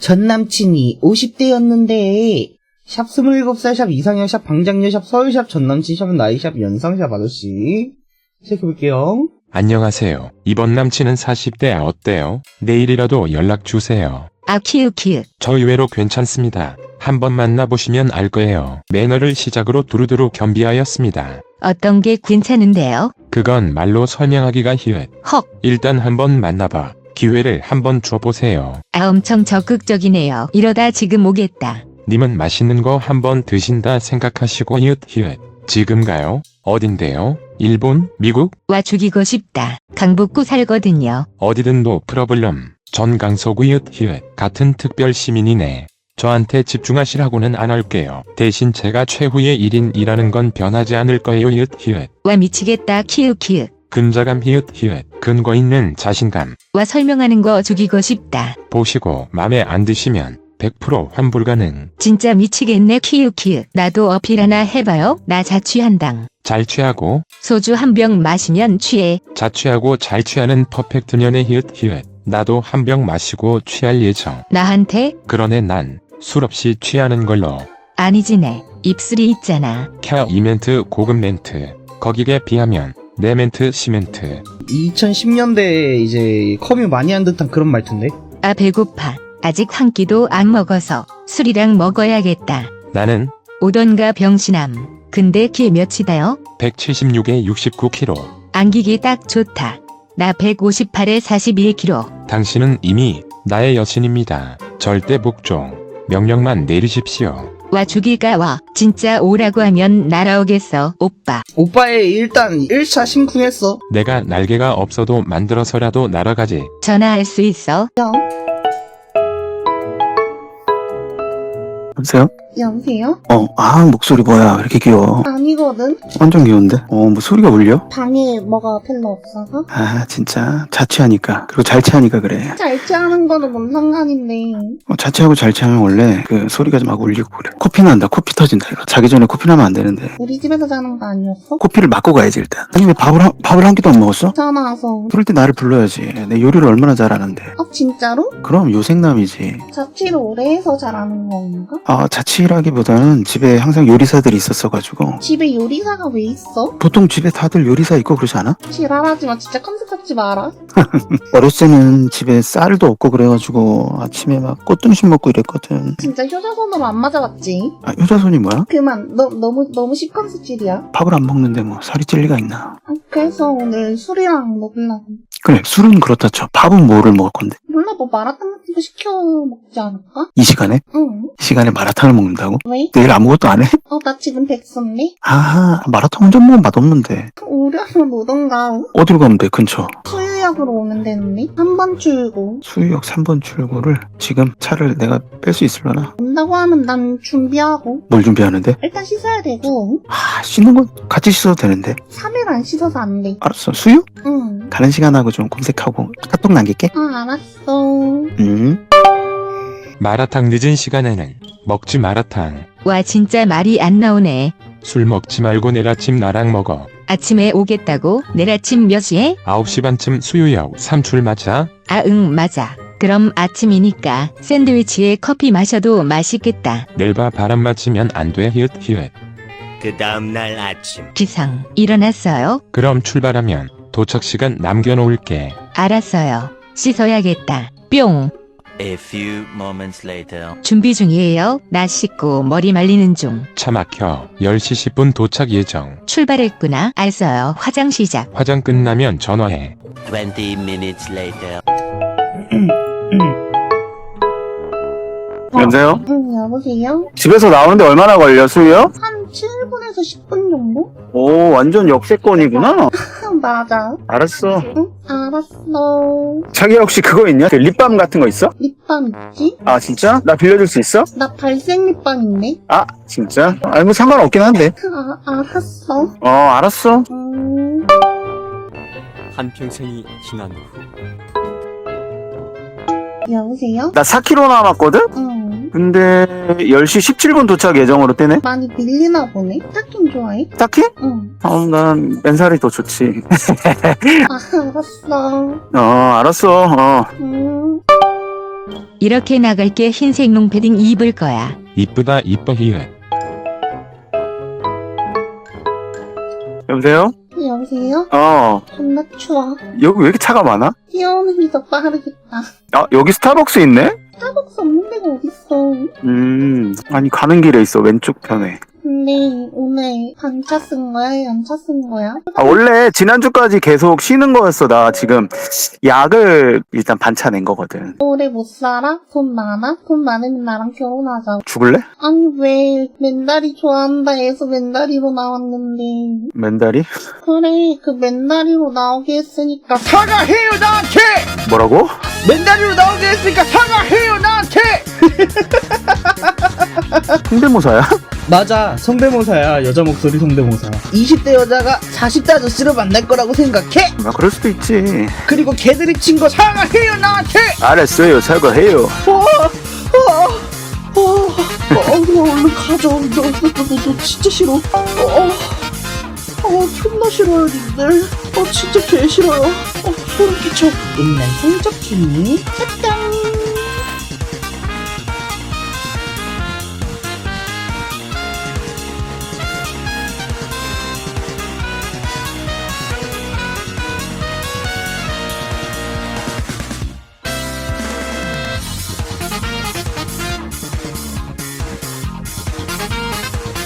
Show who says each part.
Speaker 1: 전 남친이 50대였는데 샵 27살, 샵 이상형, 샵 방장녀, 샵 서울샵, 전 남친, 샵 나이, 샵 연상, 샵 아저씨. 시작해볼게요.
Speaker 2: 안녕하세요. 이번 남친은 40대 어때요? 내일이라도 연락주세요.
Speaker 3: 아 키읔키읔.
Speaker 2: 저 의외로 괜찮습니다. 한번 만나보시면 알 거예요. 매너를 시작으로 두루두루 겸비하였습니다.
Speaker 3: 어떤 게 괜찮은데요?
Speaker 2: 그건 말로 설명하기가 히읗.
Speaker 3: 헉.
Speaker 2: 일단 한번 만나봐. 기회를 한번 줘보세요.
Speaker 3: 아 엄청 적극적이네요. 이러다 지금 오겠다.
Speaker 2: 님은 맛있는 거 한번 드신다 생각하시고 히읗. 지금 가요? 어딘데요? 일본? 미국?
Speaker 3: 와 죽이고 싶다. 강북구 살거든요.
Speaker 2: 어디든 노 프로블럼. 전 강서구 히읗. 같은 특별 시민이네. 저한테 집중하시라고는 안 할게요. 대신 제가 최후의 1인이라는 건 변하지 않을 거예요. 히읗.
Speaker 3: 와 미치겠다. 키읔키읔.
Speaker 2: 근자감 히읗. 근거 있는 자신감.
Speaker 3: 와 설명하는 거 죽이고 싶다.
Speaker 2: 보시고 맘에 안 드시면 100% 환불 가능.
Speaker 3: 진짜 미치겠네. 키읔키읔. 나도 어필 하나 해봐요. 나 자취한당.
Speaker 2: 잘 취하고
Speaker 3: 소주 한 병 마시면 취해.
Speaker 2: 자취하고 잘 취하는 퍼펙트 년의 히읗. 나도 한 병 마시고 취할 예정.
Speaker 3: 나한테?
Speaker 2: 그러네 난 술 없이 취하는 걸로.
Speaker 3: 아니지네. 입술이 있잖아.
Speaker 2: 캬 이 멘트 고급 멘트. 거기에 비하면 내 멘트 시멘트.
Speaker 1: 2010년대에 이제 커뮤 많이 한 듯한 그런 말투인데.
Speaker 3: 아 배고파. 아직 한 끼도 안 먹어서 술이랑 먹어야겠다.
Speaker 2: 나는
Speaker 3: 오던가 병신함. 근데 키 몇이다요?
Speaker 2: 176에 69kg.
Speaker 3: 안기기 딱 좋다. 나 158에 41kg.
Speaker 2: 당신은 이미 나의 여신입니다. 절대 복종. 명령만 내리십시오.
Speaker 3: 와 죽이가 와. 진짜 오라고 하면 날아오겠어 오빠.
Speaker 1: 오빠의 일단 1차 심쿵했어.
Speaker 2: 내가 날개가 없어도 만들어서라도 날아가지.
Speaker 3: 전화할 수 있어?
Speaker 4: 여보세요?
Speaker 5: 여보세요?
Speaker 4: 목소리 뭐야, 왜 이렇게 귀여워?
Speaker 5: 아니거든.
Speaker 4: 완전 귀여운데? 뭐 소리가 울려?
Speaker 5: 방에 뭐가 별로 없어서.
Speaker 4: 진짜. 자취하니까. 그리고 잘 취하니까 그래.
Speaker 5: 잘 취하는 거는 뭔 상관인데.
Speaker 4: 자취하고 잘 취하면 원래 그 소리가 좀 막 울리고 그래. 코피 난다, 코피 터진다, 이거. 자기 전에 코피 나면 안 되는데.
Speaker 5: 우리 집에서 자는 거 아니었어?
Speaker 4: 코피를 맞고 가야지, 일단. 아니, 왜 밥을 한 끼도 안 먹었어?
Speaker 5: 전화 와서.
Speaker 4: 그럴 때 나를 불러야지. 내 요리를 얼마나 잘하는데.
Speaker 5: 진짜로?
Speaker 4: 그럼 요생남이지.
Speaker 5: 자취를 오래 해서 잘하는 건가?
Speaker 4: 자취라기보다는 집에 항상 요리사들이 있었어가지고.
Speaker 5: 집에 요리사가 왜 있어?
Speaker 4: 보통 집에 다들 요리사 있고 그러지 않아?
Speaker 5: 지랄하지 마. 진짜 컨셉 잡지 마라.
Speaker 4: 어렸을 때는 집에 쌀도 없고 그래가지고 아침에 막 꽃등심 먹고 이랬거든.
Speaker 5: 진짜 효자손으로 안 맞아봤지?
Speaker 4: 효자손이 뭐야?
Speaker 5: 그만. 너무 십컨셉질이야.
Speaker 4: 밥을 안 먹는데 뭐 살이 찔 리가 있나?
Speaker 5: 그래서 오늘 술이랑 먹으려고.
Speaker 4: 그래, 술은 그렇다 쳐. 밥은 뭐를 먹을 건데?
Speaker 5: 몰라, 뭐 마라탕 같은 거 시켜 먹지 않을까?
Speaker 4: 이 시간에?
Speaker 5: 응.
Speaker 4: 이 시간에 마라탕을 먹는다고?
Speaker 5: 왜?
Speaker 4: 내일 아무것도 안 해?
Speaker 5: 나 지금 백수인데?
Speaker 4: 마라탕 혼자 먹으면 맛없는데.
Speaker 5: 오려면 오던가.
Speaker 4: 어디로 가면 돼, 근처?
Speaker 5: 수유역으로 오면 되는데? 3번 출구.
Speaker 4: 수유역 3번 출구를 지금 차를 내가 뺄 수 있으려나?
Speaker 5: 온다고 하면 난 준비하고.
Speaker 4: 뭘 준비하는데?
Speaker 5: 일단 씻어야 되고.
Speaker 4: 씻는 건 같이 씻어도 되는데.
Speaker 5: 3일 안 씻어서 안 돼.
Speaker 4: 알았어, 수유?
Speaker 5: 응.
Speaker 4: 가는 시간하고 좀 검색하고 카톡 남길게.
Speaker 5: 알았어.
Speaker 2: 마라탕 늦은 시간에는 먹지 마라탕.
Speaker 3: 와 진짜 말이 안 나오네.
Speaker 2: 술 먹지 말고 내일 아침 나랑 먹어.
Speaker 3: 아침에 오겠다고? 내일 아침 몇 시에?
Speaker 2: 9시 반쯤 수유역 3출 맞아?
Speaker 3: 응 맞아. 그럼 아침이니까 샌드위치에 커피 마셔도 맛있겠다.
Speaker 2: 내일 봐 바람 맞으면 안 돼. 히읗.
Speaker 6: 그 다음날 아침
Speaker 3: 기상 일어났어요?
Speaker 2: 그럼 출발하면 도착 시간 남겨놓을게.
Speaker 3: 알았어요. 씻어야겠다. 뿅.
Speaker 6: A few moments later
Speaker 3: 준비 중이에요. 나 씻고 머리 말리는 중.
Speaker 2: 차 막혀. 10시 10분 도착 예정.
Speaker 3: 출발했구나. 알았어요. 화장 시작.
Speaker 2: 화장 끝나면 전화해.
Speaker 6: 20 minutes later
Speaker 4: 여보세요?
Speaker 5: 응, 여보세요?
Speaker 4: 집에서 나오는데 얼마나 걸려, 수유역?
Speaker 5: 한 7분에서 10분 정도?
Speaker 4: 오, 완전 역세권이구나.
Speaker 5: 맞아.
Speaker 4: 알았어.
Speaker 5: 응, 알았어.
Speaker 4: 자기 혹시 그거 있냐? 그 립밤 같은 거 있어?
Speaker 5: 립밤 있지?
Speaker 4: 진짜? 나 빌려줄 수 있어?
Speaker 5: 나 발색 립밤 있네.
Speaker 4: 진짜? 뭐 상관없긴 한데.
Speaker 5: 알았어.
Speaker 4: 알았어.
Speaker 7: 한평생이 지난 후
Speaker 5: 여보세요?
Speaker 4: 나 4km 남았거든?
Speaker 5: 응.
Speaker 4: 근데 10시 17분 도착 예정으로 뜨네?
Speaker 5: 많이 밀리나 보네. 타킹 좋아해?
Speaker 4: 딱히?
Speaker 5: 응.
Speaker 4: 난 맨살이 더 좋지.
Speaker 5: 알았어.
Speaker 4: 알았어.
Speaker 5: 응.
Speaker 3: 이렇게 나갈게. 흰색 롱패딩 입을 거야.
Speaker 2: 이쁘다 이뻐 히읗.
Speaker 4: 여보세요?
Speaker 5: 여보세요? 존나 추워.
Speaker 4: 여기 왜 이렇게 차가 많아?
Speaker 5: 뛰어오는 게 더 빠르겠다.
Speaker 4: 여기 스타벅스 있네?
Speaker 5: 스타벅스 없는 데가 어딨어.
Speaker 4: 아니 가는 길에 있어, 왼쪽 편에.
Speaker 5: 근데 오늘 반차 쓴 거야? 연차 쓴 거야?
Speaker 4: 원래 지난주까지 계속 쉬는 거였어. 나 지금 약을 일단 반차 낸 거거든.
Speaker 5: 오래 못 살아? 돈 많아? 돈 많으면 나랑 결혼하자.
Speaker 4: 죽을래?
Speaker 5: 아니 왜 맨다리 좋아한다 해서 맨다리로 나왔는데.
Speaker 4: 맨다리?
Speaker 5: 그래 그 맨다리로 나오게 했으니까
Speaker 1: 사과해요 나한테!
Speaker 4: 뭐라고?
Speaker 1: 맨다리로 나오게 했으니까 사과해요 나한테!
Speaker 4: 성대모사야?
Speaker 1: 맞아, 성대모사야. 여자 목소리 성대모사. 20대 여자가 40대 아저씨를 만날 거라고 생각해?
Speaker 4: 그럴 수도 있지.
Speaker 1: 그리고 걔들이 친 거 사과해요 나한테!
Speaker 4: 알았어요, 사과해요.
Speaker 1: 너 얼른 가져. 너 진짜 싫어. 존나 싫어요, 님들. 진짜 개 싫어요. 소름 끼쳐. 옛날 성적 중이 짝짱.